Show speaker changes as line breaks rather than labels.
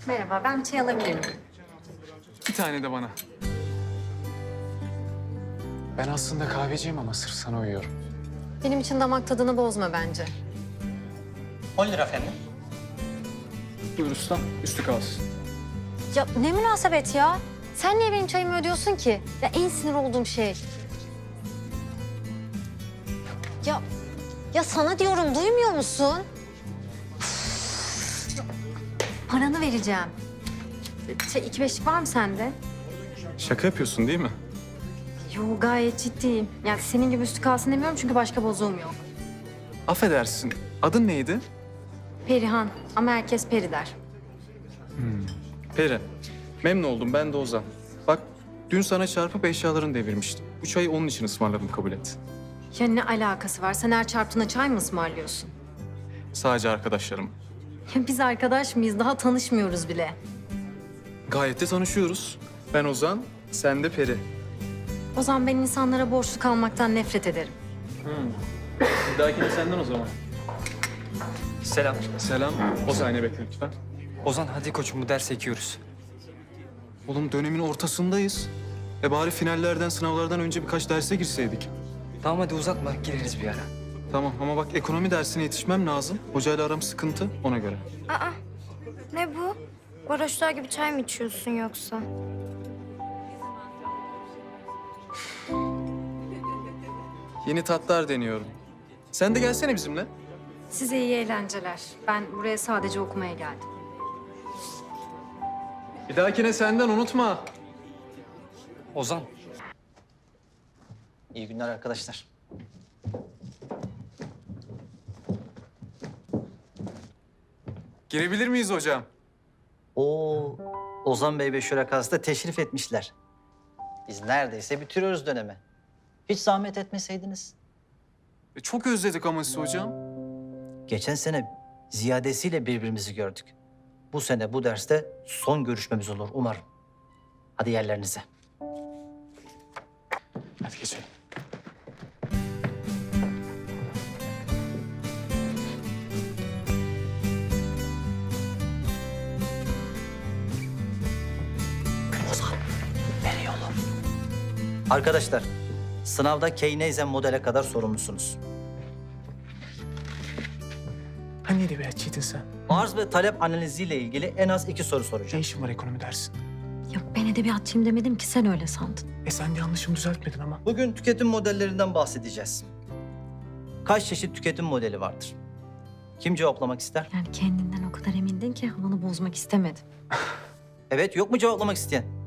Merhaba, ben bir çay alabilir miyim?
Bir tane de bana. Ben aslında kahveciyim ama sırf sana uyuyorum.
Benim için damak tadını bozma bence.
10 lira efendim.
Buyur ustam, üstü kalsın.
Ya ne münasebet ya? Sen niye benim çayımı ödüyorsun ki? Ya en sinir olduğum şey. Ya sana diyorum, duymuyor musun? Paranı vereceğim. İki beşlik var mı sende?
Şaka yapıyorsun değil mi?
Yo, gayet ciddiyim. Yani senin gibi üstü kalsın demiyorum çünkü başka bozuğum yok.
Affedersin, adın neydi?
Perihan ama herkes Peri der.
Peri. Memnun oldum, ben de Ozan. Bak, dün sana çarpıp eşyalarını devirmiştim. Bu çayı onun için ısmarladım, kabul et.
Ya ne alakası var? Sen her çarptığına çay mı ısmarlıyorsun?
Sadece arkadaşlarım.
Ya biz arkadaş mıyız? Daha tanışmıyoruz bile.
Gayet de tanışıyoruz. Ben Ozan, sen de Peri.
O zaman ben insanlara borçlu kalmaktan nefret ederim.
Bir dahakine senden o zaman.
Selam.
Selam. O saniye bekle lütfen.
Ozan hadi koçum bu dersi ekiyoruz.
Oğlum dönemin ortasındayız. Bari finallerden, sınavlardan önce birkaç derse girseydik.
Tamam hadi uzatma gireriz bir ara.
Tamam ama bak ekonomi dersine yetişmem lazım. Hocayla aram sıkıntı, ona göre.
Aa, ne bu? Varoşlar gibi çay mı içiyorsun yoksa?
Yeni tatlar deniyorum. Sen de gelsene bizimle.
Size iyi eğlenceler. Ben buraya sadece okumaya geldim.
Bir dahakine senden unutma.
Ozan. İyi günler arkadaşlar.
Girebilir miyiz hocam?
Oo, Ozan Bey ve Şurakası da teşrif etmişler. Biz neredeyse bitiriyoruz dönemi. Hiç zahmet etmeseydiniz.
Çok özledik ama sizi hocam.
Geçen sene ziyadesiyle birbirimizi gördük. Bu sene bu derste son görüşmemiz olur umarım. Hadi yerlerinize.
Hadi geçelim.
Nereye oğlum? Arkadaşlar, sınavda Keynesian modele kadar sorumlusunuz.
Hani edebiyatçıydın sen?
Arz ve talep analiziyle ilgili en az 2 soru
Ne
soracağım.
işin var ekonomi dersin?
Ya ben edebiyatçıyım demedim ki, sen öyle sandın.
Sen yanlışımı düzeltmedin ama.
Bugün tüketim modellerinden bahsedeceğiz. Kaç çeşit tüketim modeli vardır? Kim cevaplamak ister?
Yani kendinden o kadar emindin ki havanı bozmak istemedim.
Evet, yok mu cevaplamak isteyen?